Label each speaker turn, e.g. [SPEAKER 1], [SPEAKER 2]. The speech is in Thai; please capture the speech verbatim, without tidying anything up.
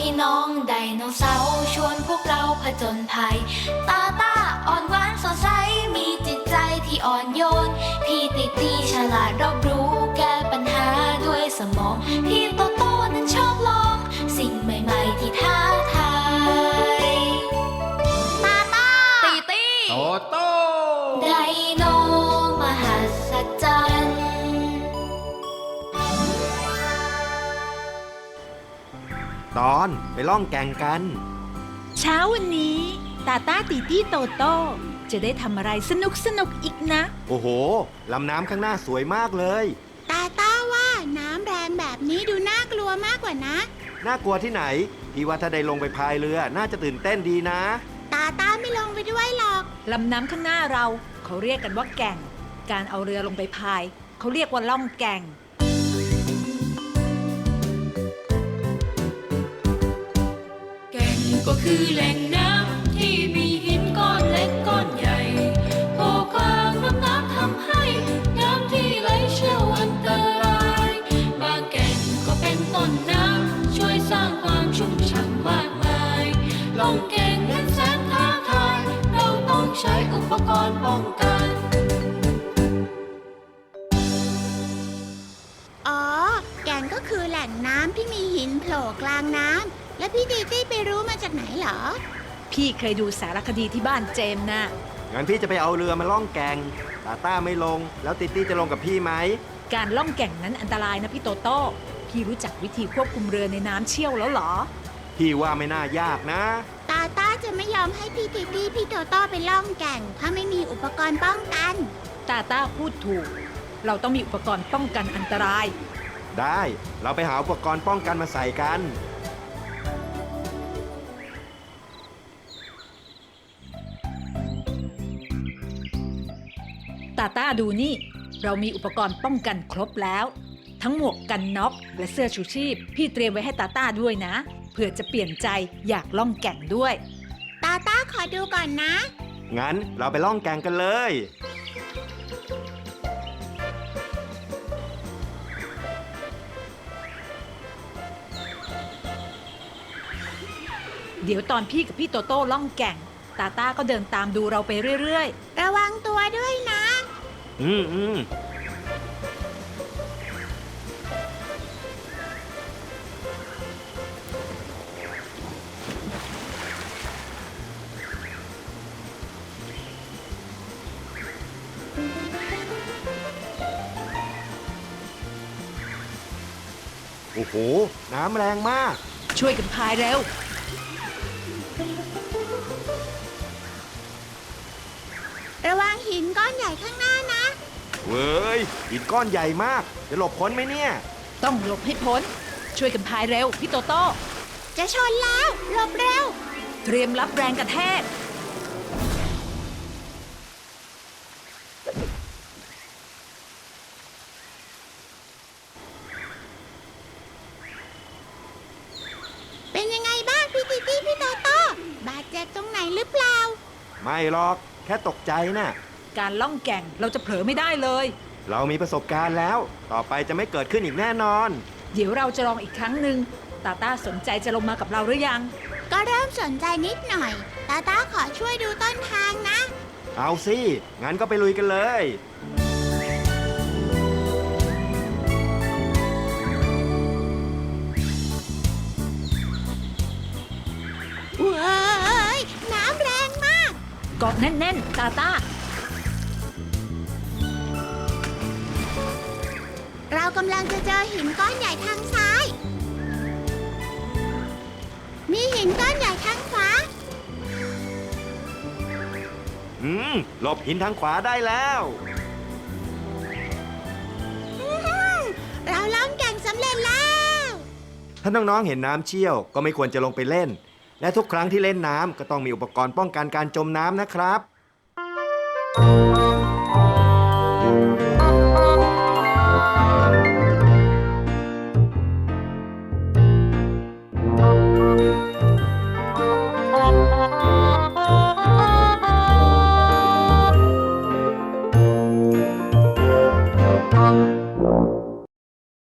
[SPEAKER 1] น้องไดโนเสาร์ชวนพวกเราผจญภัยตาตาอ่อนหวานสดใสมีจิตใจที่อ่อนโยนพี่ติตีฉลาดรอบรู้แก้ปัญหาด้วยสมองพี่โตโตนั้นชอบลองสิ่งใหม่ๆที่ท้าทายตาตาตีตี
[SPEAKER 2] โตโต
[SPEAKER 1] ไดโนมหัศจรรย์
[SPEAKER 3] ตอนไปล่องแก่งกัน
[SPEAKER 4] เช้าวันนี้ตาตาตีตี้โตโต้จะได้ทำอะไรสนุกสนุกอีกนะ
[SPEAKER 3] โอ้โหลำน้ำข้างหน้าสวยมากเลย
[SPEAKER 5] ตาต้าว่าน้ำแรงแบบนี้ดูน่ากลัวมากกว่านะ
[SPEAKER 3] น่ากลัวที่ไหนพี่ว่าถ้าได้ลงไปพายเรือน่าจะตื่นเต้นดีนะ
[SPEAKER 5] ตาต้าไม่ลงไปด้วยหรอก
[SPEAKER 4] ลำน้ำข้างหน้าเราเขาเรียกกันว่าแก่งการเอาเรือลงไปพายเขาเรียกว่าล่องแก่ง
[SPEAKER 1] แก่งก็คือแหล่งน้ำที่มีหินก้อนเล็กก้อนใหญ่โผล่กลางลำน้ำทำให้น้ำที่ไหลเชี่ยวอันตรายบางแก่งก็เป็นต้นน้ำช่วยสร้างความชุ่มฉ่ำมากมายล่องแก่งนั้นแสนท้าทายเราต้องใช้อุปกรณ์ป้องกัน
[SPEAKER 5] อ๋อแก่งก็คือแหล่งน้ำที่มีหินโผล่กลางน้ำแล้วพี่ตีตี้ไปรู้มาจากไหนเหรอ
[SPEAKER 4] พี่เคยดูสารคดีที่บ้านเจมส์นะ
[SPEAKER 3] งั้นพี่จะไปเอาเรือมาล่องแก่งตาต้าไม่ลงแล้วติตี้จะลงกับพี่ไหม
[SPEAKER 4] การล่องแก่งนั้นอันตรายนะพี่โตโต้พี่รู้จักวิธีควบคุมเรือในน้ำเชี่ยวแล้วเหรอ
[SPEAKER 3] พี่ว่าไม่น่ายากนะ
[SPEAKER 5] ตาต้าจะไม่ยอมให้พี่ตีตี้พี่โตโต้ไปล่องแก่งถ้าไม่มีอุปกรณ์ป้องกัน
[SPEAKER 4] ตาต้าพูดถูกเราต้องมีอุปกรณ์ป้องกันอันตราย
[SPEAKER 3] ได้เราไปหาอุปกรณ์ป้องกันมาใส่กัน
[SPEAKER 4] ตาต้าดูนี่เรามีอุปกรณ์ป้องกันครบแล้วทั้งหมวกกันน็อกและเสื้อชูชีพพี่เตรียมไว้ให้ตาต้าด้วยนะเผื่อจะเปลี่ยนใจอยากล่องแก่งด้วย
[SPEAKER 5] ตาต้าขอดูก่อนนะ
[SPEAKER 3] งั้นเราไปล่องแก่งกันเลย
[SPEAKER 4] เดี๋ยวตอนพี่กับพี่โตโต้ล่องแก่งตาต้าก็เดินตามดูเราไปเรื่อย
[SPEAKER 5] ๆระวังตัวด้วยนะ
[SPEAKER 3] อืมอืมโอ้โหน้ำแรงมาก
[SPEAKER 4] ช่วยกันพายเร็ว
[SPEAKER 5] ระวังหินก้อนใหญ่ข้างหน้านะ
[SPEAKER 3] เว้ยหินก้อนใหญ่มากจะหลบพ้นไหมเนี่ย
[SPEAKER 4] ต้องหลบให้พ้นช่วยกันพายเร็วพี่โตโต้
[SPEAKER 5] จะชนแล้วหลบเร็ว
[SPEAKER 4] เตรียมรับแรงกระแทก
[SPEAKER 5] เป็นยังไงบ้างพี่ตีตี้พี่โตโต้บาดเจ็บตรงไหนหรือเปล่า
[SPEAKER 3] ไม่หรอกแค่ตกใจน่ะ
[SPEAKER 4] การล่องแก่งเราจะเผลอไม่ได้เลย
[SPEAKER 3] เรามีประสบการณ์แล้วต่อไปจะไม่เกิดขึ้นอีกแน่นอน
[SPEAKER 4] เดี๋ยวเราจะลองอีกครั้งหนึ่งตาต้าสนใจจะลงมากับเราหรือยัง
[SPEAKER 5] ก็เริ่มสนใจนิดหน่อยตาต้าขอช่วยดูต้นทางนะ
[SPEAKER 3] เอาสิงั้นก็ไปลุยกันเลย
[SPEAKER 5] ว้ายน้ำแรงมาก
[SPEAKER 4] เกาะแน่นๆตาต้า
[SPEAKER 5] เรากำลังจะเจอหินก้อนใหญ่ทางซ้ายมีหินก้อนใหญ่ทางขวา
[SPEAKER 3] อืมหลบหินทางขวาได้แล้ว
[SPEAKER 5] เราล่องแก่งสำเร็จแล้ว
[SPEAKER 3] ถ้าน้องๆเห็นน้ำเชี่ยวก็ไม่ควรจะลงไปเล่นและทุกครั้งที่เล่นน้ำก็ต้องมีอุปกรณ์ป้องกันการจมน้ำนะครับ